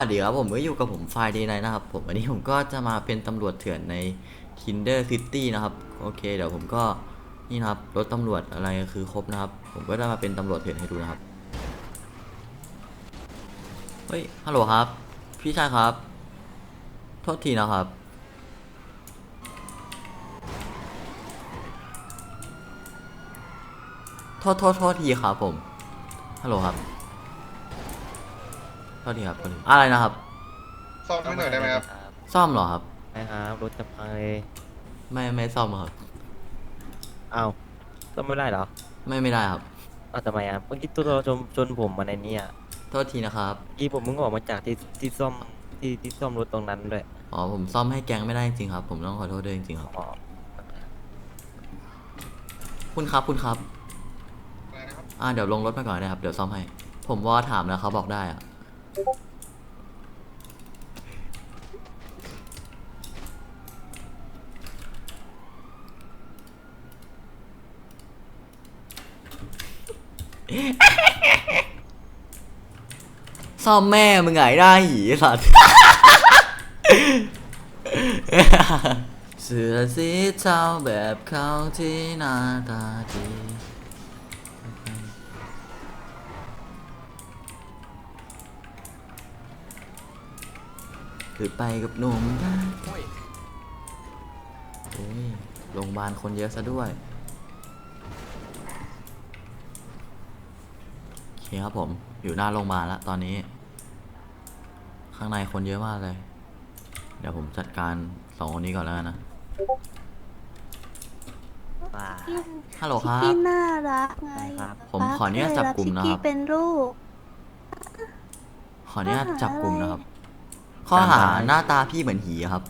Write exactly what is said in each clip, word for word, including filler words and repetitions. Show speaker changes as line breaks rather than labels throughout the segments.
สวัสดีครับผมก็อยู่กับผมไฟเดย์ไนนะครับผมวันนี้ผมก็จะมาเป็นตำรวจเถื่อนใน Kinder City นะครับโอเคเดี๋ยวผมก็นี่นะครับรถตำรวจอะไรคือครบนะครับผมก็จะมาเป็นตำรวจเถื่อนให้ดูนะครับเฮ้ยฮัลโหลครับพี่ชายครับโทษทีนะครับโทษโทษโทษทีครับผมฮัลโหลครับโทษทีครับโทษทีอะไรนะครับ
ซ่อมให้หน่อยได้ไหมครับ
ซ่อมเหรอครับ
ใช่ครับรถจะพังเลย
ไม่ไม่ซ่อมครับ
อ้าวซ่อมไม่ได้เหรอ
ไม่ไม่ได้ครับ
อ้าวทำไมอ่ะเมื่อกี้ตัวเราชนชนผมมาในนี้อ่ะ
โทษทีนะครับ
เมื่อกี้ผมมึงออกมาจากที่ที่ซ่อมที่ที่ซ่อมรถตรงนั้นด้วย
อ๋อผมซ่อมให้แก๊งไม่ได้จริงๆครับผมต้องขอโทษด้วยจริงๆครับ
อ๋อ
คุณครับคุณครับ
อะไรนะครับ
อ่าเดี๋ยวลงรถไปก่อนนะครับเดี๋ยวซ่อมให้ ผมว่าถามแล้วเขาบอกได้อะซ่อมแม่มึงไงได้หีสัตว์ เสื้อสีเทาแบบเขาที่หน้าตาดีหรือไปกับหนุ่มได้โอ้ยโรงพยาบาลคนเยอะซะด้วยโอเคครับผมอยู่หน้าโรงพยาบาลแล้วตอนนี้ ข้างในคนเยอะมากเลย เดี๋ยวผมจัดการสองคนนี้ก่อนแล้วกันนะ
ว้า
ฮัลโหลครับ
พี่น่ารักไง
ครับ
ผมขออนุญาตจับกลุ่มนะครับ
พี่เป็นลูก
ขออนุญาตจับกลุ่มนะครับ ข้
ข้
อ
อ
หา
หา
หน้าตาพี่เหมือนหีครับ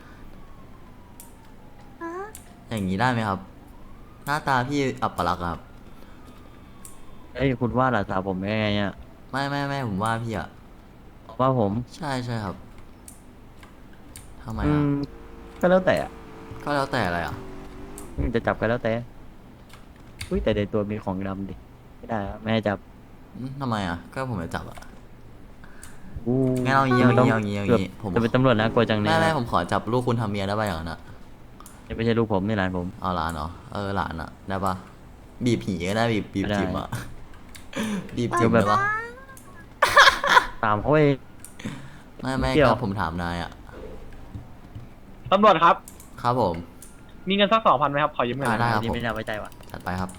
ฮะ
อย่างนี้ได้ไหมครับ หน้าตาพี่อัปลักษณ์อะครับ
เอ้ยคุณว่าหลานสาวผมยังไงอ่ะ
ไม่ไม่ไม่ผมว่าพี่อะ
ว่าผม
ใช่ใช่ครับทำไม
อื
อะ
มก็แล้วแต่อะ
ก็แล้วแต่อะไรอะ
อืมจะจับก็แล้วแต่อุ้ยแต่ในตัวมีของดำดิไม่ได้อะไม่ให้จับ
อืมทำไมอะก็ผมจะจับอะ
อู้
งั้นเอาอย่างงี้
ไม่ต้
เอาอย่างงี้เอาอย่างงี้ผม
จะเป็นตำรวจนะกลัวจังเลย
ไม่ไม่ผมขอจับลูกคุณทำเมียได้ป่ะอย่างนั้นอะ
ไม่ใช่ลูกผมนี่หลานผม
เอาหลานเหรอเออหลานอะได้ป่ะบีบผีก็ได้บีบบีบ
ได้
จิ๋มอะ บีบจิ๋ม
แบ
ได้
บ
ปะ
ตามเขาเอง
ไม่ไม่
เกี่ยว
ครับผมถามนายอะ
ตำรวจครับ
ครับผม
มีเงินสักสองพันไหมครับ ขอยืมเงินหน่อย
ได้ครับ
นี่ไม่น่าไว้ใจว่ะ
จัดไปครับ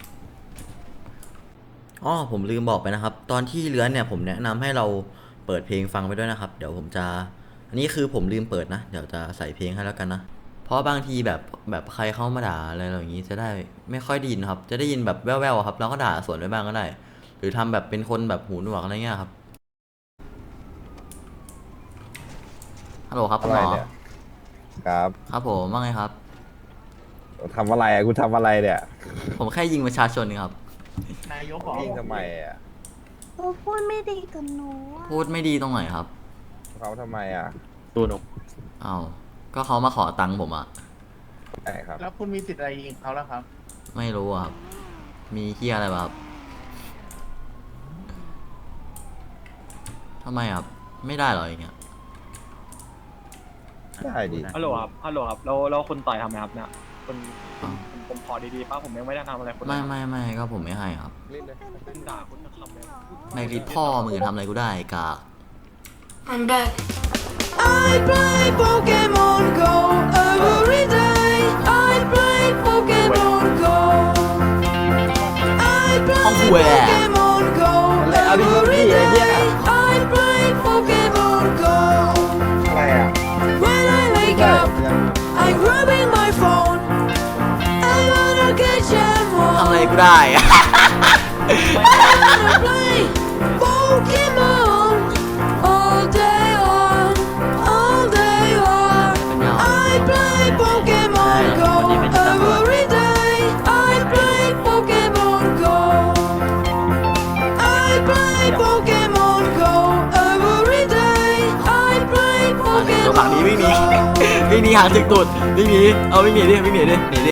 อ๋อผมลืมบอกไปนะครับ ตอนที่เลื้อนเนี่ยผมแนะนำให้เราเปิดเพลงฟังไปด้วยนะครับ เดี๋ยวผมจะ อันนี้คือผมลืมเปิดนะ เดี๋ยวจะใส่เพลงให้แล้วกันนะ เพราะบางทีแบบแบบใครเข้ามาด่าอะไรเราอย่างนี้จะได้ไม่ค่อยได้ยินครับ จะได้ยินแบบแว่วๆครับแล้วก็ด่าสวนไปบ้างก็ได้ หรือทำแบบเป็นคนแบบหูหนวกอะไรเงี้ยครับฮัลโหลครับคุณหมอ
อะไรเนี่ย ครับ
ครับผมว่าไงครับ
ทำอะไรอ่ะคุณทำอะไรเนี่ย
ผมแค่ยิงประชาชนครับ
นายกบอก
ยิงทำไมอ่ะ
โอ้พูดไม่ดีกับหนูอะ
พูดไม่ดีตรงไหนครับ
เขาทำไมอ่ะ
ตัวหนุ
อ้าวก็เขามาขอตังค์ผมอะ
ไหนครับ
แล้วคุณมีสิทธิ์อะไรยิงเขาแล้วครับ
ไม่รู้อะครับ มีเฮียอะไรบ้างครับทำไมครับ ไม่ได้เหรออย่างเงี้ย
ได้ดิ
ฮัลโหลครับ ฮัลโหลครับ แล้วแล้วคุณต่อยทำไมครับเนี่ยคุณ
อ้าว
ผมผมขอดีๆป้าผมยังไม่ได้ทำอะไรคุณเลย
ไม่ไม่ไม่ก็ผมไม่ให้ครับ
เล่นเลย
คุณด่าคุณจะทำเลย
ในริดพ่อมือทำอะไรกูได้กาก
I'm back.
I play Pokemon Go every day. I play Pokemon Go. I play
Không quê à?
Pokemon Go every day. I play Pokemon Go.
อะไรอ่ะ
When I wake up, I'm grabbing my phone. I wanna catch them
ทำ
all.
อะไรกูได้อะ
I wanna play Pokemon all day long, all day long. I play Pokemon Go every day. I play Pokemon Go. I play Pokemon Go every day. I play
ตัวหลัง
Pokemon
นี้วิ่งหนี
Go.
วิ่งหนีหางถึงตุดวิ่งหนีเอาวิ่งหนีดิวิ่งหนีดิหนีดิ